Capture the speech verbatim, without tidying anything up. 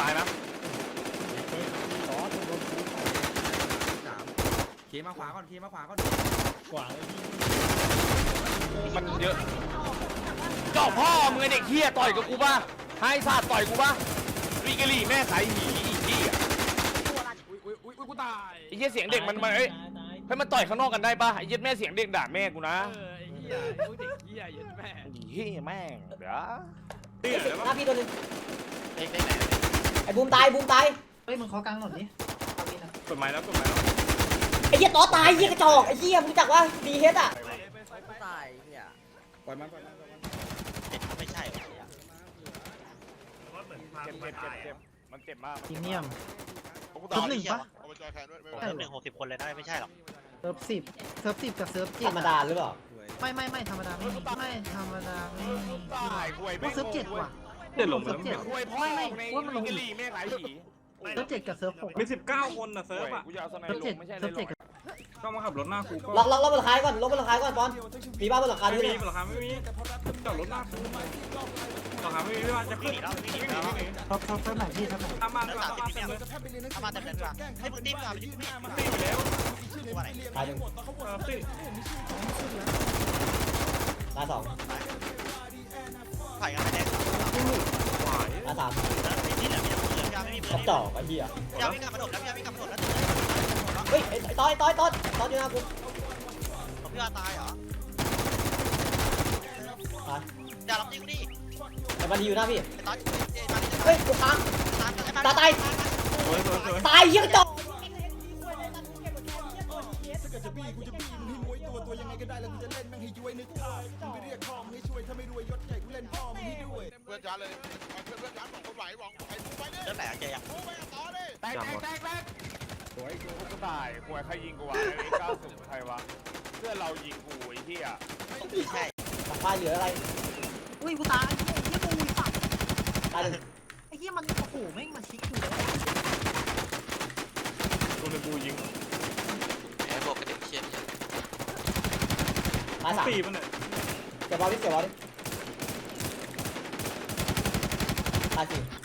ตายนะเคมาขวาก่อนเคมาขวาก่อนขวาเลยพี่มันเยอะเจ้าพ่อมึงไอเด็กเฮียต่อยกับกูป่ะไฮซาดต่อยกูป่ะวีกะลี่แม่ขายหีอีกที่อ่ะอุ้ยอุ้ยอุ้ยกูตายไอ้เหี้ยเสียงเด็กมันมันเอ้ยให้มันต่อยข้างนอกกันได้ป่ะไอ้เหี้ยแม่เสียงเด็กด่าแม่กูนะเออไอ้เหี้ยไอ้เด็กเหี้ยยันแม่เฮียแม่งเดี๋ยวหน้าพี่ตัวนึงเด็กได้ไหนไอ้บูมตายบูมตายเฮ้ยมึงขอกลางหน่อยดิกฎหมายแล้วกฎหมายแล้วไอ้เหี้ยต่อตายเหี้ยกระจอกไอ้เหี้ยมึงจักว่าดีเฮดอ่ะตายเนี่ยปล่อยมันปล่อยมันไม่ใช่เจ็บเจ็บเจ็บเจ็บมันเจ็บมากพรีเมียมต่อหนึ่งปะเซิร์ฟหนึ่งหกสิบคนเลยได้ไม่ใช่หรอกเซิร์ฟสิบเซิร์ฟสิบกับเซิร์ฟเจ็ธดรรมดาหรือเปล่าไม่ไม่ไม่ธรรมดาไม่มีไม่ธรรมดาไม่มีตายคุยพวกเซิร์ฟเจ็ดว่ะเจ็ดลงเซิร์ฟเจ็ดคุยพ่อไม่ไม่ในว่ามันลงวีอีกะกลี่แม่ขายหีเซิร์ฟเจ็ดกับเซิร์ฟหกมีสิบเก้าคนนะเซิร์ฟอ่ะกูจะเอาสไนเซิร์ฟลเจ็ดงไม่ใช่เลเซิยร์ฟเจ็ดก็มาขับรถหน้ากูก็ล็อกล็อกล็อกบนหลังคาก่อนล็อกบนหลังคาก่อนปอนมีบ้านบนหลังคาไม่ด้วยมีเนี่ยหลังคาไม่มีจอดรถหน้ากูหลังคาไม่มีไม่ว่าจะขึ้นหนีแล้วหนีแล้วเซิร์ฟเซิร์ฟเซิร์ฟไหนพี่เซิร์ฟไหนตามมาตามมาเต็มเลยถ้ามาเต็มเลยดีกว่าให้มึงดิ้นก่อนไปดิ้นตีไปแล้วตัวไหนตายหนึ่งเออตีตายสองถ่ายกันไปแดงตายสามที่เหลือมีแต่คนเหลือยาไม่มีเบอกระร์จอกไอ้เหี้ยยาไม่กลับมาโดดแล้วยาไม่กลับมาโดดแล้วเฮ้ยไอ้ต้อยต้อยต้อยต้อยอยู่หน้ากูผมพี่ว่าตายเหรอตายอย่าล็อกดิ้งดิไอ้บันดีอยู่หน้าพี่ไอ้ตอนเอ้ยมาดิเฮ้ยกูค้างตายกันไอ้ตาตายสวยสวยสวยตายเหี้ยกระจอกเพื่อนจ้าเลยเพื่อนเพื่อนจ้าสองคนไหวหวังไหวไปเนี่ยเริ่มไหนอะเจยังโอ้ไปต่อดิแตกแตกแตกแตกสวยกูก็ตายคุยใครยิงกูวะไอ้เก้าสิบใครวะเพื่อนเรายิงกูไอ้เหี้ยไม่ใช่หลังคาเหลืออะไรอุ้ยกูตายไอ้เหี้ยกูสับตายหนึ่งไอ้เหี้ยมันโอ้โหแม่งมาชิกอยู่แล้วตัวนึงกูยิงไอ้พวกกระเด็กเชี่ยตายสามตีมันเนี่ยเก็บบอลดิเก็บบอลดิตายสี่